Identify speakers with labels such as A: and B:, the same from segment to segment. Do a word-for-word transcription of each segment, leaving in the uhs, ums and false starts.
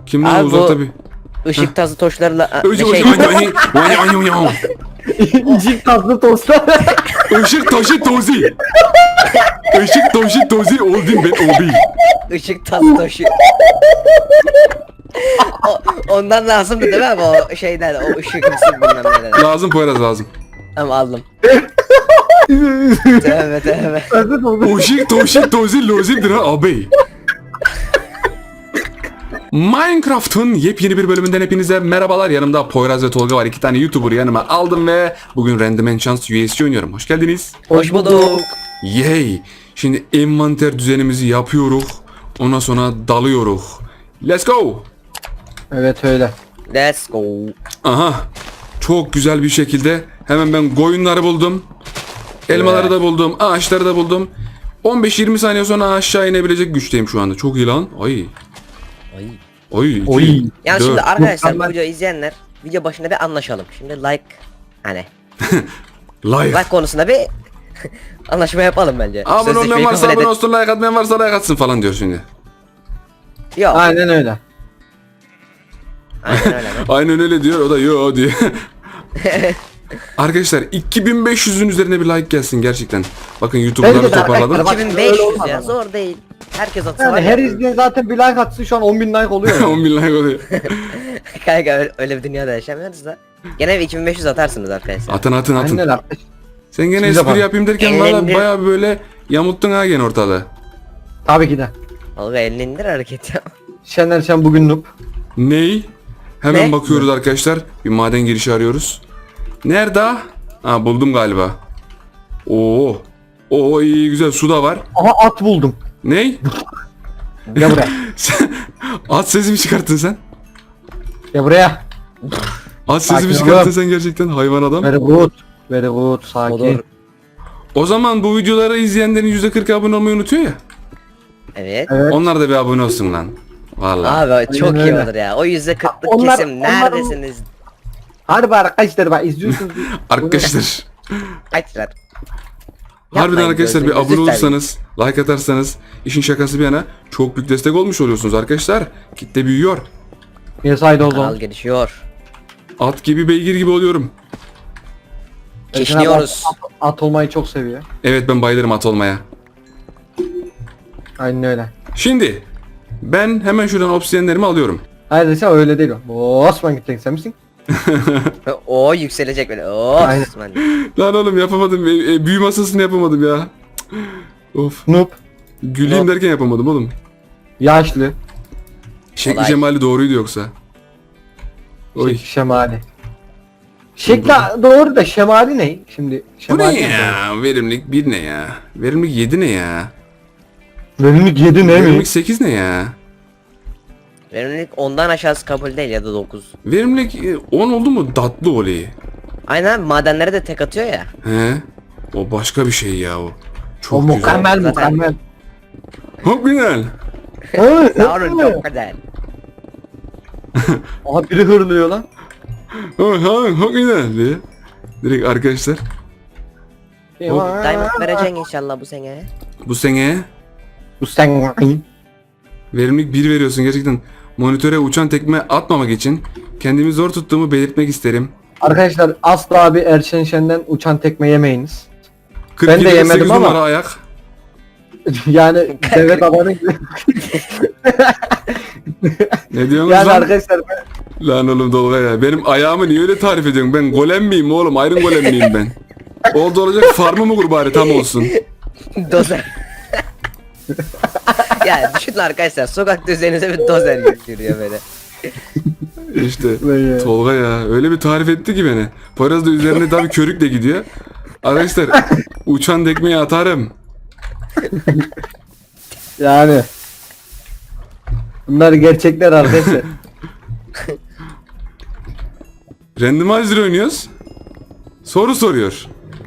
A: Kim lan
B: Abi
A: uzakta
B: bu-
A: bir?
B: Işık tazı toşlarla
A: Işık
B: şey,
C: İncik tatlı tostlar.
A: taşı tozi. Işık taşı tozi oldum ben abi.
B: ışık tazı toşu. O- ondan lazımdı değil mi abi o şeyden o ışık mısın bilmem neden.
A: Lazım Poyraz lazım.
B: Tamam aldım. Tövbe tövbe.
C: Tatlı tostu.
A: Işık taşı tozi lozimdir ha abi. Minecraft'ın yepyeni bir bölümünden hepinize merhabalar. Yanımda Poyraz ve Tolga var. İki tane YouTuber yanıma aldım ve bugün Random Enchants U S C oynuyorum. Hoş geldiniz.
B: Hoş bulduk.
A: Yay! Şimdi envanter düzenimizi yapıyoruz. Ondan sonra dalıyoruz. Let's go!
C: Evet öyle.
B: Let's go.
A: Aha! Çok güzel bir şekilde hemen ben koyunları buldum. Elmaları
C: Evet.
A: da buldum. Ağaçları da buldum. on beş yirmi saniye sonra aşağı inebilecek güçteyim şu anda. Çok iyi lan. Ay.
B: Ay.
A: Oy. iki,
C: Oy.
B: Yani
A: dört.
B: şimdi arkadaşlar bu
C: Mükemmel.
B: videoyu izleyenler video başında bir anlaşalım. Şimdi like hani
A: Like.
B: like konusunda bir anlaşma yapalım bence.
A: Abone
B: Sözleşmeyi
A: olmayan varsa
B: kabul
A: abone
B: edin.
A: olsun, like atmayan varsa like atsın falan diyor şimdi.
B: Yok.
C: Aynen öyle.
B: Aynen öyle. mi?
A: Aynen öyle diyor, o da yo diyor. Arkadaşlar iki bin beş yüzün üzerine bir like gelsin gerçekten. Bakın YouTube'ları
C: Bence de
A: toparladım.
C: arkadaşlar,
B: iki bin
C: Öyle
B: beş yüz
C: olmaz
B: ya
C: ama.
B: zor değil. Herkes atsa var
C: Yani
B: ya.
C: her izleyen zaten bir like atsın şu an on bin like oluyor.
A: on bin like oluyor.
B: Kanka öyle, öyle bir dünyada yaşamıyoruz da. Gene bir iki bin beş yüz atarsınız arkadaşlar.
A: Atın atın atın.
C: Aynen arkadaş.
A: Sen gene
C: Şimdi
A: espri
C: yapalım.
A: yapayım derken
B: Elini
A: valla
B: indir.
A: baya böyle yamulttun ha gene ortalığı.
C: Tabii ki de.
B: Olga elini indir hareket yap.
C: Şener Şen bugün noob.
A: Ney? Hemen
B: Ne?
A: bakıyoruz arkadaşlar. Bir maden girişi arıyoruz. Nerede? Ha buldum galiba. Oo. Oo iyi güzel su da var.
C: Aha at buldum.
A: Ney?
C: Gel buraya.
A: Sen- At sesi mi çıkarttın sen?
C: Gel buraya.
A: At sesi mi
C: Sakin
A: çıkarttın
C: ol.
A: sen gerçekten hayvan adam?
C: Very good. Very good. Sakin.
B: Olur.
A: O zaman bu videoları izleyenlerin yüzde kırk abone olmayı unutuyor ya.
B: Evet.
C: Evet.
A: Onlar da bir abone olsun lan. Vallahi.
B: Abi çok iyi
C: öyle.
B: olur ya. O yüzde kırklık
C: Onlar-
B: kesim
C: onların-
B: neredesiniz?
C: Hadi bak arkadaşlar bak izliyorsunuz.
A: Arkadaşlar.
B: Açlar.
A: Harbiden
B: Yapmayın,
A: arkadaşlar bir
B: gözünüzü
A: abone
B: seveyim.
A: olursanız, like atarsanız, işin şakası bir yana çok büyük destek olmuş oluyorsunuz arkadaşlar. Kitle büyüyor.
C: Yes haydi o zaman.
B: Kanal gelişiyor.
A: At gibi beygir gibi oluyorum.
B: Kişniyoruz.
C: At, at olmayı çok seviyor.
A: Evet ben bayılırım at olmaya.
C: Aynen öyle.
A: Şimdi ben hemen şuradan obsidiyenlerimi alıyorum.
C: Hayır sen öyle değil o. Oo, Osman gittin sen misin?
B: O yükselecek böyle. Oo.
C: Aynen.
B: Osman.
A: Lan oğlum yapamadım. E, e, büyü masasını yapamadım ya. Of.
C: Noob.
A: Güleyim
B: Yok.
A: derken yapamadım oğlum.
C: Yaşlı.
A: Şekli
B: Kolay.
A: cemali doğruydu yoksa. Oy.
C: Şek şemali. Şekli doğru da şemali ne? Şimdi
A: Bu
C: şemali
A: ne ya? Verimlilik bir ne ya? Verimlilik yedi ne ya?
C: Verimlilik yedi ne mi?
A: Verimlilik sekiz ne ya?
B: Verimlilik ondan aşağısı kabul değil ya da dokuz.
A: Verimlilik e, on oldu mu tatlı olayı.
B: Aynen madenlere de tek atıyor ya.
A: He? O başka bir şey ya o. Çok
C: O
A: güzel.
C: mükemmel
B: Zaten-
C: mükemmel.
A: Çok güzel.
C: Hı,
B: Yavrum
C: hı.
B: çok güzel.
C: Aha biri hırlıyor lan.
A: Ha, ha, çok güzel diye. Direkt arkadaşlar
B: Diamond vereceksin inşallah bu sene.
A: bu sene
C: Bu sen.
A: verimlilik bir veriyorsun gerçekten. Monitöre uçan tekme atmamak için kendimi zor tuttuğumu belirtmek isterim.
C: Arkadaşlar asla abi Erşen Şen'den uçan tekme yemeyiniz.
A: kırk
C: Ben de
A: yedi
C: yemedim
A: sekiz
C: ama-
A: numara ayak.
C: Yani devlet abanı gibi.
A: Ne diyorsunuz
C: Yani
A: lan?
C: arkadaşlar ben-
A: Lan oğlum Dolga ya. Benim ayağımı niye öyle tarif ediyorsun? Ben golem miyim oğlum? Iron golem miyim ben? Oldu olacak farmı mı kur bari tam olsun.
B: Dozer. Ya düşünün arkadaşlar sokakta üzerinize bir dozer yürüyor böyle.
A: İşte
C: Vay.
A: Tolga ya öyle bir tarif etti ki beni. Poyraz da üzerine tabii körükle gidiyor. Arkadaşlar uçan tekmeyi atarım.
C: yani. Bunlar gerçekler arkadaşlar.
A: Randomizer oynuyoruz. Soru soruyor.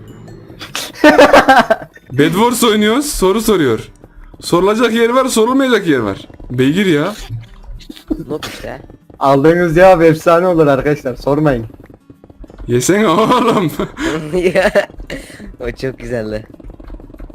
A: Bed Wars oynuyoruz. Soru soruyor. Sorulacak yer var, sorulmayacak yer var. Beygir ya.
B: Not işte.
C: Aldığınız cevap efsane olur arkadaşlar sormayın.
A: Yesene oğlum.
B: O çok güzeldi.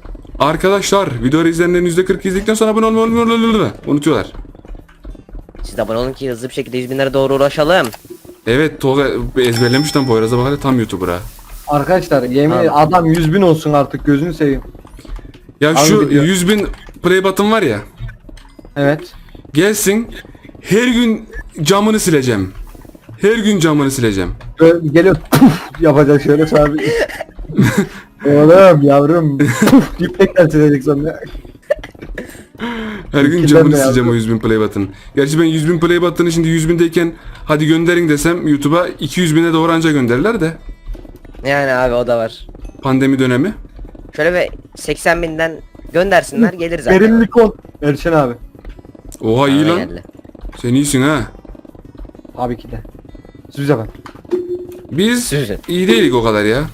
A: Arkadaşlar video izleyenlerin yüzde kırk izledikten sonra abone olmayı unutuyorlar.
B: Siz de abone olun ki hızlı bir şekilde yüz binlere doğru ulaşalım.
A: Evet Tolga ezberlemiş lan Poyraz'a bak hele tam YouTuber ha.
C: Arkadaşlar yemin
B: Abi.
C: ederim adam yüz bin olsun artık gözünü seveyim.
A: Ya
C: Abi
A: şu
C: biliyorum.
A: yüz bin play button var ya.
C: Evet.
A: Gelsin her gün camını sileceğim. Her gün camını sileceğim.
C: Böyle geliyor puf yapacak şöyle sonra bir- Oğlum yavrum puf deyip tekrar silecek sonra.
A: Her gün
C: İkiden
A: camını
C: de
A: sileceğim
C: yazdım.
A: o yüz bin play button. Gerçi ben yüz bin play button'ı şimdi yüz bindeyken hadi gönderin desem YouTube'a iki yüz bine doğru anca gönderirler de.
B: Yani abi o da var.
A: Pandemi dönemi.
B: Şöyle bir seksen binden göndersinler gelir zaten.
C: Derinlik ol. Erşen abi.
A: Oha iyi
B: Bana
A: lan.
B: geldi.
A: Sen iyisin ha.
C: Tabii ki de. Sürüz efendim.
A: Biz
B: Süzün.
A: iyi değilik o kadar ya.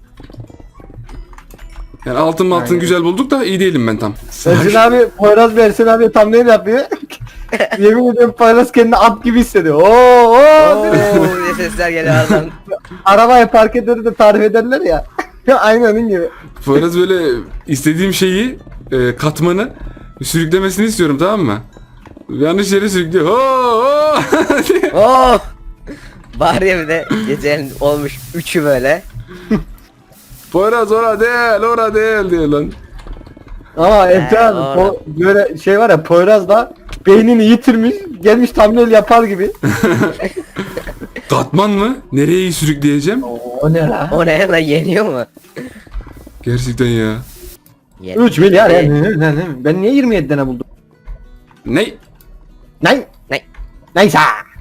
A: Yani altın altın
C: Aynen.
A: güzel bulduk da iyi değilim ben tam.
C: Erşen abi Poyraz ve Erşen abi tam ne yapıyor? Yemin ediyorum Poyraz kendini at gibi hissediyor. Oo, oo,
B: Oo diye sesler geliyor aradan.
C: Arabayı park ederleri de tarif ederler ya. Aynı onun gibi.
A: Poyraz böyle istediğim şeyi e, katmanı sürüklemesini istiyorum tamam mı? Yanlış yere sürüklüyor. Oo, oo!
B: Oo. Bari ya bir de gecenin olmuş üçü böyle.
A: Poyraz ora değil ora değil diyor lan.
C: Ama
B: He,
C: Erşen abi
B: doğru.
C: po- böyle şey var ya Poyraz da beynini yitirmiş gelmiş thumbnail yapar gibi.
A: Katman mı? Nereye sürükleyeceğim?
C: O ne la?
B: O ne lan yeniyor mu?
A: Gerçekten ya.
B: Yeniyor.
C: üç milyar ya. Ne, ne, ne, ne? Ben niye yirmi yedi tane buldum?
A: Ne?
C: Ne?
B: Ne?
C: Neyse.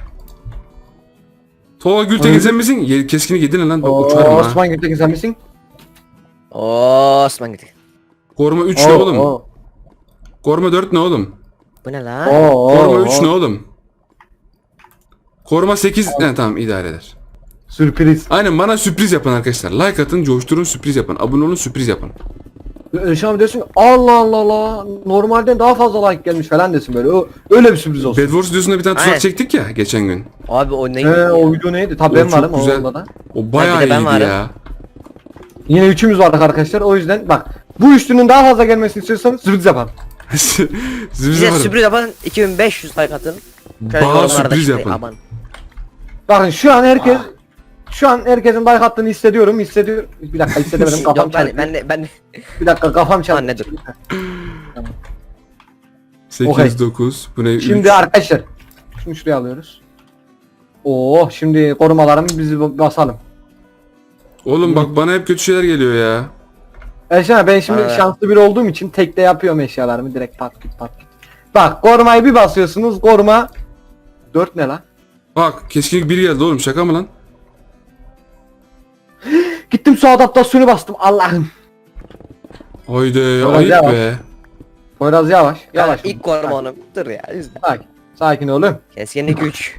A: Tolga Gültekin
C: Öyle.
A: sen misin? Ye, keskin yedin lan. Bak
C: Oo,
A: uçarım ha.
C: Osman Gültekin sen misin?
B: Oo Osman gitti.
A: Koruma üç ne oğlum? Koruma dört ne oğlum?
B: Bu ne lan?
C: Oo,
A: Koruma üç ne oğlum? Koruma sekiz ne tamam idare eder.
C: Sürpriz.
A: Aynen bana sürpriz yapın arkadaşlar. Like atın, coşturun, sürpriz yapın. Abone olun, sürpriz yapın.
C: Erşen abi diyorsun ki, Allah Allah Allah normalden daha fazla like gelmiş falan desin böyle. O, öyle bir sürpriz olsun.
A: Bad Wars videosunda bir tane tuzak
B: Aynen.
A: çektik ya geçen gün.
B: Abi o ne?
C: He o video neydi? Tabii
A: O
C: ben
A: çok
C: varım
A: güzel.
C: o onda da.
A: O bayağı
B: Ha, bir de ben
A: iyiydi
B: varım.
A: ya.
C: Yine üçümüz vardık arkadaşlar. O yüzden bak bu üçlünün daha fazla gelmesini istiyorsanız sürpriz yapalım.
A: Sürpriz
B: Bize
A: yaparım.
B: sürpriz yapın iki bin beş yüz like atın. Şöyle
A: Bana
B: yorumlarda
A: sürpriz
B: işte,
A: yapın.
B: Aman.
C: Bakın şu an herkes şu an herkesin like attığını hissediyorum. Hissediyorum. Bir dakika hissedemedim kafam
B: Yok ben,
C: çaldı.
B: ben de ben de
C: Bir dakika kafam çaldı.
B: Anne dur.
A: sekiz
C: Okey.
A: dokuz bu ne?
C: Şimdi
A: üç.
C: arkadaşlar şunu şuraya alıyoruz. Oo şimdi korumalarımı bizi basalım.
A: Oğlum bak bana hep kötü şeyler geliyor ya.
C: Erşen abi, ben şimdi
B: Evet.
C: şanslı biri olduğum için tekte yapıyorum eşyalarımı direkt pat git pat git. Bak korumayı bir basıyorsunuz koruma dört ne lan?
A: Bak keskinlik bir geldi oğlum şaka mı lan?
C: Gittim su adaptasyonu bastım Allah'ım.
A: Haydi
C: Poyraz
A: ayıp
C: yavaş.
A: be.
C: Poyraz yavaş
B: Yavaş.
C: yavaş.
B: İlk koruma onu. Dur ya. Üzme.
C: Sakin. Sakin oğlum.
B: Keskinlik üç.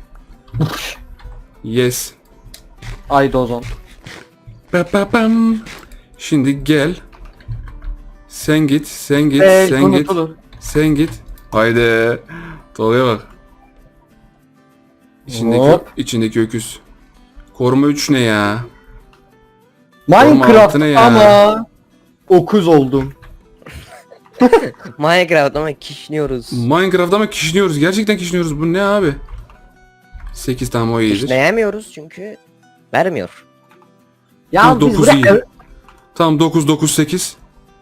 A: Yes.
C: Ay dozon.
A: Ba ba bam. Şimdi gel. Sen git, sen git,
C: Ee,
A: sen git.
C: unutulur.
A: Sen git. Haydi. Tolga'ya bak. İçindeki,
C: Hop.
A: içindeki öküz. Koruma üç ne ya? Koruma
C: Minecraft
A: altı ne ya?
C: ama okuz oldum.
B: Minecraft ama kişniyoruz.
A: Minecraft'ta ama kişniyoruz. Gerçekten kişniyoruz. Bu ne abi? sekiz tamam o iyidir.
B: Kişneyemiyoruz çünkü vermiyor.
C: Ya
A: Dur,
C: biz
A: dokuz
C: bırak
A: iyi. Tamam dokuz dokuz sekiz.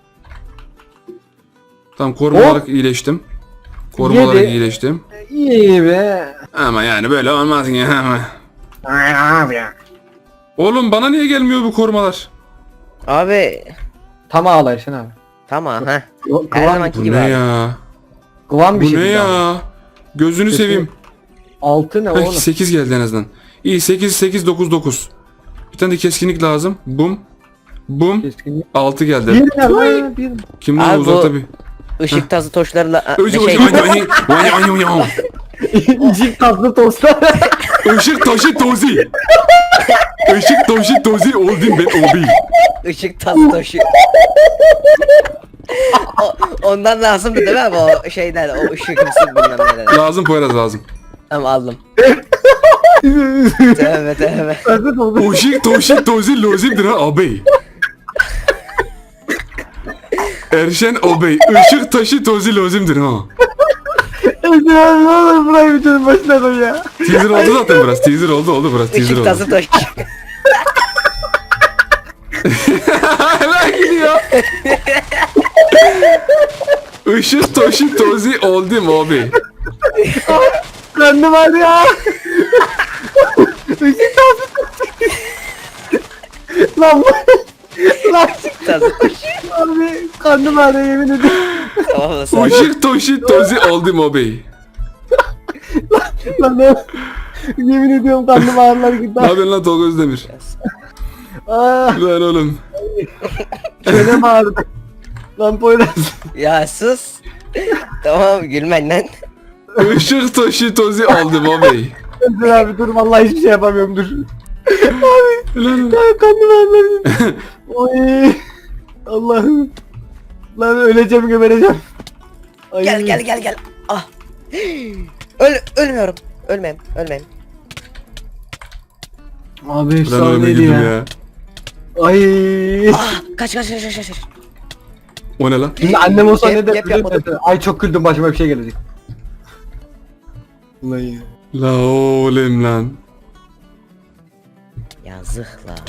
A: Tamam koruma
C: Hop.
A: olarak iyileştim. Koruma
C: Yedi.
A: olarak iyileştim.
C: iyi be.
A: Ama yani böyle olmaz ya ama. Oğlum bana niye gelmiyor bu korumalar?
B: Abi
C: Tamam ağla Erşen abi.
B: tamam ha.
C: Kıvam,
B: Her zamanki
A: Bu
B: gibi
A: ne
B: abi.
A: ya?
C: kıvam bir
A: Bu
C: şey.
A: ne
C: değil abi.
A: ya? Gözünü
C: Kesin.
A: seveyim.
C: Altı ne oğlum?
A: sekiz geldi en azından. İyi sekiz sekiz dokuz dokuz. Bir tane de keskinlik lazım. Bum. Bum.
C: Keskinlik.
A: altı geldi.
C: Bir ne lan? Bir.
A: Kimden
B: Abi
A: uzakta
B: bu-
A: bir.
B: Işık tazı toşlarıyla a,
A: Özü
B: şey,
C: İncik tatlı tostlar.
A: Işık taşı tozi. Işık taşı tozi oldum ben obi.
B: ışık tazı toşu. o, ondan lazımdı değil mi abi o şeyden o ışık mısın bilmem neler.
A: Lazım Poyraz lazım.
B: Tamam aldım. Tövbe tövbe.
C: Tatlı tostu.
A: Işık taşı tozi lazımdır ha abi. Erşen obey. Işık taşı tozi lazımdır ha.
C: Ya ne olur burayı videonun başına koy ya.
A: Teaser oldu zaten burası. Teaser oldu oldu burası. Teaser
B: Işık
A: oldu.
B: tazı toşi.
A: Hemen gidiyor. Işık toşi tozi oldu mobi.
C: Karnım var ya. Işık tazı. Lan bu. Lan
B: Tazı toşi.
C: abi karnım var ya yemin ediyorum.
B: Tamam da sen.
A: Işık toşi tozi oldu mobi.
C: Lan ne? Yemin ediyorum karnım ağrılar gitti.
A: Ne yapıyorsun lan Tolga Özdemir?
C: Aaa
A: Lan oğlum.
C: çenem ağrıdı. Lan Poyraz.
B: Ya sus. Tamam gülmen lan.
A: Işık toşi tozi oldu mobi.
C: Dur abi dur vallahi hiçbir şey yapamıyorum dur. Abi
A: Lan
C: ya karnım ağrılar. Oy. Allah'ım. Lan öleceğim gebereceğim. Ay.
B: Gel gel gel gel. Ah. Öl ölmüyorum. Ölmem, ölmem.
C: Abi
A: Lan ölüme
C: efsaneydi
A: girdim
C: ya.
A: ya.
C: Ay.
B: Ah, kaç kaç kaç kaç kaç.
A: O ne lan?
C: Şimdi annem olsa
B: Yap-
C: ne der?
B: yap-
C: bilir
B: yapmadım.
C: misin? Ay çok güldüm başıma bir şey gelecek. Ulan ya.
A: La oğlum lan.
B: Yazık la.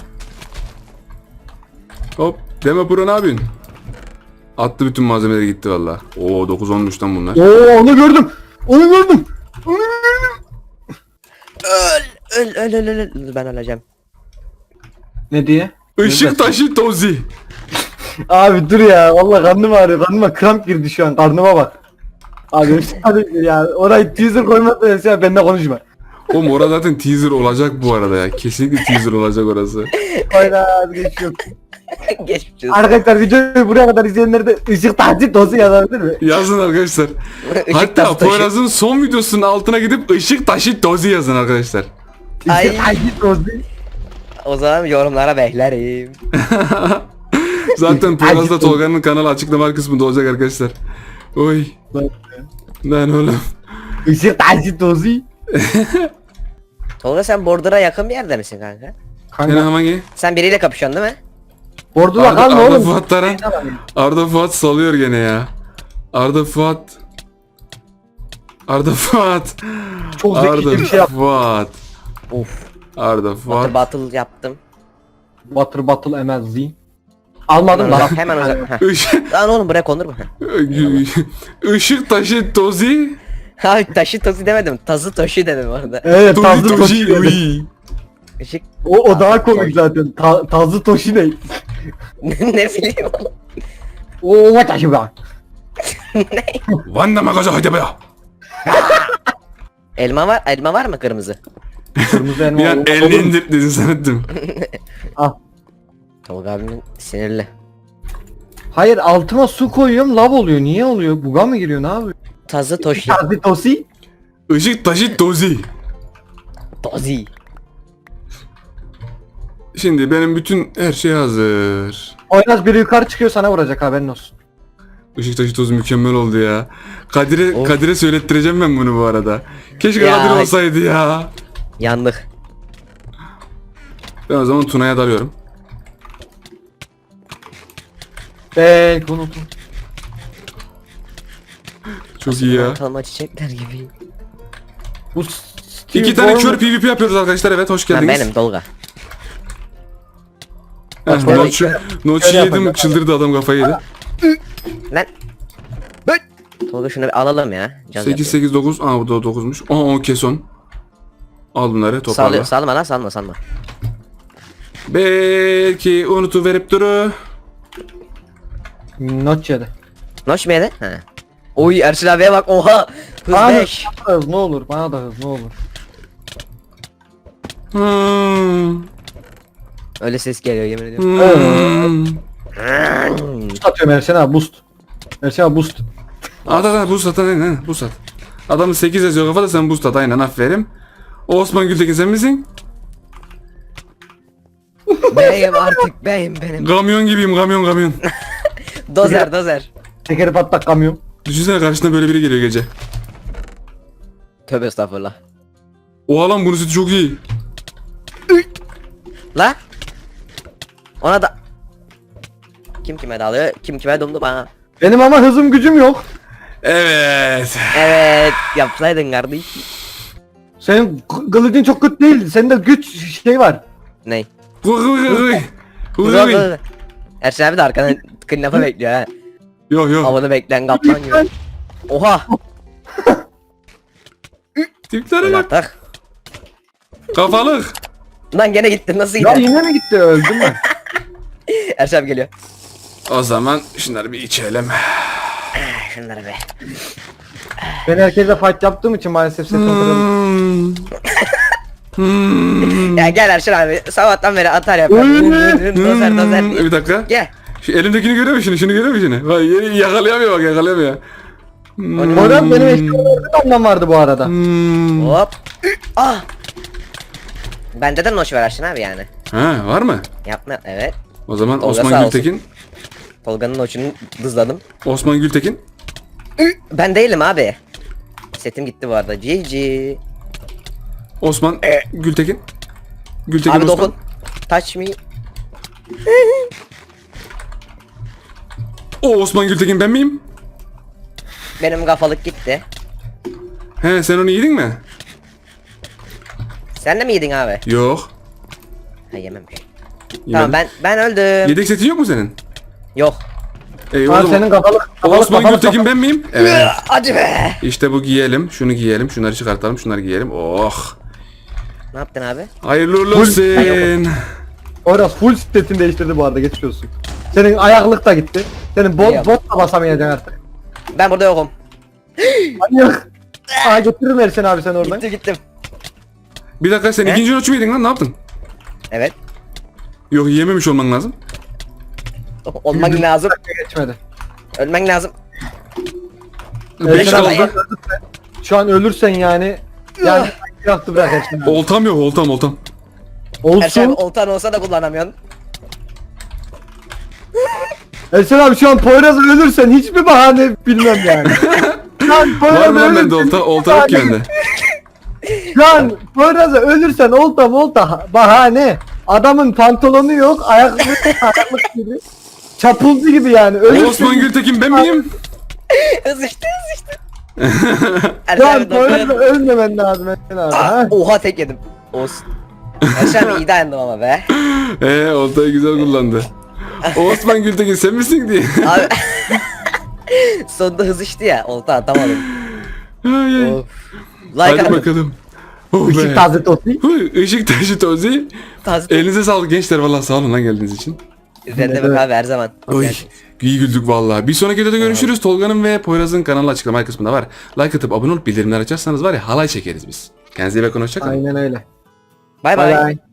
A: Hop. Deme Pro ne yapıyorsun? Attı bütün malzemeleri gitti valla. Oo dokuz olmuş lan bunlar.
C: Oo onu gördüm. Onu gördüm. Onu gördüm.
B: Öl öl öl öl öl. öl. Ben öleceğim.
C: Ne diye?
A: Işık taşı tozi.
C: Abi dur ya vallahi karnım ağrıyor. Karnıma kramp girdi şu an. Karnıma bak. Abi hadi ya orayı teaser koymadın ya benimle konuşma.
A: Oğlum orada zaten teaser olacak bu arada ya. Kesinlikle teaser olacak orası.
C: Hayda geçiyor.
B: Geçmiş olsun.
C: Arkadaşlar videoyu buraya kadar izleyenler de ışık tahsit dozu yazabilir mi?
A: Yazın arkadaşlar.
B: Işık
A: Hatta
B: tası taşı.
A: Poyraz'ın son videosunun altına gidip ışık taşı tozi yazın arkadaşlar.
B: Ay.
C: Işık tahsit dozu.
B: O zaman yorumlara beklerim.
A: Zaten Poyraz'da Tolga'nın kanalı açıklama kısmında olacak arkadaşlar. Oy. Lan oğlum.
C: Işık tahsit dozu.
B: Tolga sen Bordur'a yakın bir yerde misin kanka?
A: Sen
C: Kanka.
A: hangi?
B: Sen biriyle kapışıyorsun değil mi?
C: Ordu'da
A: Arda,
C: kalma
A: Arda
C: oğlum.
A: Fuat Taran. Arda Fuat salıyor gene ya. Arda Fuat. Arda Fuat.
C: Çok zekice
A: Arda
C: bir şey yap.
A: Fuat.
B: Uf.
A: Arda
B: Battle
A: Fuat.
B: battle yaptım.
C: Water Battle M L Z. Almadım
B: Hemen
C: lan.
B: uzak. Hemen uzak. Heh.
A: Işık,
B: Lan oğlum buraya konur mu?
A: Işık taşı tozi.
B: Abi taşı tozu demedim. Tazı toşu dedim orada.
C: Evet
A: Tozi
C: Tazlı
A: toji.
C: Toshi.
A: uy.
B: Işık.
C: O, o daha komik zaten. Ta, Tazlı Toshi ne?
B: Ne bileyim oğlum.
C: O what taşı be?
B: Ne?
A: Vanda magaza hadi be ya.
B: Elma var. Elma var mı kırmızı?
C: Kırmızı elma.
A: Bir an
C: olur.
A: elini indir dedin zannettim.
C: Ah.
B: Tolga abimin sinirli.
C: Hayır altıma su koyuyorum lav oluyor. Niye oluyor? Buga mı giriyor? Ne yapıyor?
B: Tazı toşu.
C: Tazlı Toshi.
A: Işık taşı tozi.
B: Tozi.
A: Şimdi benim bütün her şey hazır.
C: Oynaz biri yukarı çıkıyor sana vuracak haberin olsun.
A: Işık taşı tozu mükemmel oldu ya. Kadir'e
B: Of.
A: Kadir'e söylettireceğim ben bunu bu arada. Keşke
B: Ya.
A: Kadir olsaydı ya.
B: Yandık.
A: Ben o zaman Tuna'ya dalıyorum.
C: Eee unuttum.
A: Çok iyi ya.
B: Ortalama çiçekler gibi.
C: Bu
A: İki tane kör PvP yapıyoruz arkadaşlar. Evet hoş
B: Ben
A: geldiniz.
B: benim Tolga.
A: Heh,
C: Hoş bulduk.
A: Notch, Notch
C: Şöyle
A: yedim
C: yapacağım.
A: çıldırdı adam kafayı yedi.
B: Lan. Tolga şunu bir alalım ya. Caz
A: sekiz sekiz dokuz. Aa bu da dokuzmuş. Aa o keson. Al bunları toparla.
B: Sallıyor, salma lan salma salma.
A: Belki unutuverip duru.
C: Not yedi.
B: Noş mu yedi? He. Oy Erçin abiye bak oha. Hız
C: Bana da
B: beş.
C: hız ne olur bana da hız ne olur.
A: Hmm.
B: Öyle ses geliyor yemin ediyorum.
A: Hmm.
C: Boost atıyorum Erşen abi boost. Erşen abi boost.
A: At at at boost at aynen boost at. Adamın sekiz yazıyor kafada sen boost at aynen aferin. O Osman Gültekin sen misin?
B: Beyim artık beyim benim.
A: Kamyon gibiyim kamyon kamyon.
B: Dozer dozer.
C: Tekeri patlak kamyon.
A: Düşünsene karşına böyle biri geliyor gece.
B: Tövbe estağfurullah.
A: Oha lan bunun sütü çok iyi.
B: La. Ona da. Kim kime dalıyor? Kim kime dumdu bana?
C: Benim ama hızım gücüm yok.
A: Evet.
B: Evet yapsaydın kardeş.
C: Senin k- kılıcın çok kötü değil. Sende güç şey var.
B: Ney?
A: Huy huy huy. Huy
B: Dur,
A: huy.
B: dur, dur. Erşen abi de arkadan kınafa bekliyor ha.
A: Yok yok.
B: Havada bekleyen kaplan gibi. Oha.
A: Tiplere
B: Öyle
A: bak.
B: atak.
A: Kafalık.
B: Lan gene gittin nasıl
C: Ya
B: gidiyor?
C: yine mi gitti öldün mü?
B: Erşen abi geliyor.
A: O zaman şunları bir içelim.
B: Ah, şunları be.
C: Ben herkese fight yaptığım için maalesef sesim kırıldı.
A: Hmm. Hmm.
B: Ya gel Erşen abi sabahtan beri atar yapıyor.
C: Öyle.
B: Dozer dozer
A: Hmm.
B: diye.
A: Bir dakika.
B: Gel.
A: Şu elimdekini görüyor musun? Şunu görüyor musun? Vay yakalayamıyor bak yakalayamıyor. Hmm.
C: Moral benim eşyalarda da ondan vardı bu arada.
A: Hmm.
B: Hop. Ah. Bende de noş var Erşen abi yani.
A: Ha var mı?
B: Yapma evet.
A: O zaman
B: Tolga sağ
A: Osman
B: olsun.
A: Gültekin.
B: Tolga'nın noşunu dızladım.
A: Osman Gültekin.
B: Ben değilim abi. Setim gitti bu arada. G G.
A: Osman Gültekin. Gültekin
B: Abi
A: Osman.
B: dokun. Touch me.
A: O Osman Gültekin ben miyim?
B: Benim kafalık gitti.
A: He sen onu yedin mi?
B: Sen de mi yedin abi?
A: Yok.
B: Ha yememiş.
A: Yemedim.
B: Tamam ben ben öldüm.
A: Yedek setin yok mu senin?
B: Yok.
A: Ey
C: Ha,
A: oğlum.
C: senin kafalık kafalık
A: Osman
C: kafalık
A: Gültekin ben miyim? Evet.
B: Hadi be.
A: İşte bu giyelim. Şunu giyelim. Şunları çıkartalım. Şunları giyelim. Oh.
B: Ne yaptın abi?
A: Hayırlı uğurlu
C: Full-
A: olsun.
C: Orası full setini değiştirdi bu arada geçmiş olsun. Senin ayaklık da gitti. Senin bot,
B: Yok.
C: bot da basamayacaksın artık.
B: Ben burada yokum.
C: Manyak. Aa getiririm Ersen abi sen oradan.
B: Gittim gittim.
A: Bir dakika sen
B: He?
A: ikinci ölçü müydün lan? Ne yaptın?
B: Evet.
A: Yok yememiş olman lazım.
B: Olman lazım.
C: Geçmedi.
B: Ölmen lazım.
A: Beş
C: Ersen abi,
A: kaldı.
C: şu an ölürsen yani yani yaptı bırak Ersen abi.
A: Oltam yok oltam oltam.
B: Erşen abi
C: Olsun.
B: oltan olsa da kullanamıyorsun.
C: Ersen abi şu an Poyraz'a ölürsen hiçbir bahane bilmem yani. Şu an
A: Var
C: Poyraz'a
A: mı lan bende
C: ölürsen
A: olta? Olta yok ki
C: bahane-
A: bende.
C: Şu an Poyraz'a ölürsen olta molta bahane. Adamın pantolonu yok, ayaklık ayaklık gibi. Çapulcu gibi yani. Ölürsen
A: Osman Gültekin ben miyim?
B: Hızıştı hızıştı.
C: şu
B: Erşen
C: an
B: abi
C: Poyraz'a
B: dokun.
C: ölmemen lazım Ersen abi.
B: Ah,
C: ha?
B: oha tek yedim. Olsun. Erşen abi iyi dayandım ama be.
A: Eee oltayı güzel kullandı. Osman Gültekin sen misin diye.
B: Abi. Sonunda hızıştı ya. Olta atamadım.
A: Ay, ay.
B: Of. Like
A: Hadi
B: atın.
A: bakalım. Oh
C: Işık
A: be.
C: taze tosi.
A: Huy, Işık taşı tozi.
B: Taze.
A: Elinize sağlık gençler vallahi sağ olun lan geldiğiniz için.
B: Sen demek abi her zaman.
A: Oy.
B: Gel.
A: İyi güldük vallahi. Bir sonraki videoda görüşürüz. Tolga'nın ve Poyraz'ın kanalı açıklama kısmında var. Like atıp abone olup bildirimler açarsanız var ya halay çekeriz biz. Kendinize iyi bakın hoşça kalın.
C: Aynen öyle.
B: Bay
C: Bay
B: bay.
C: bay.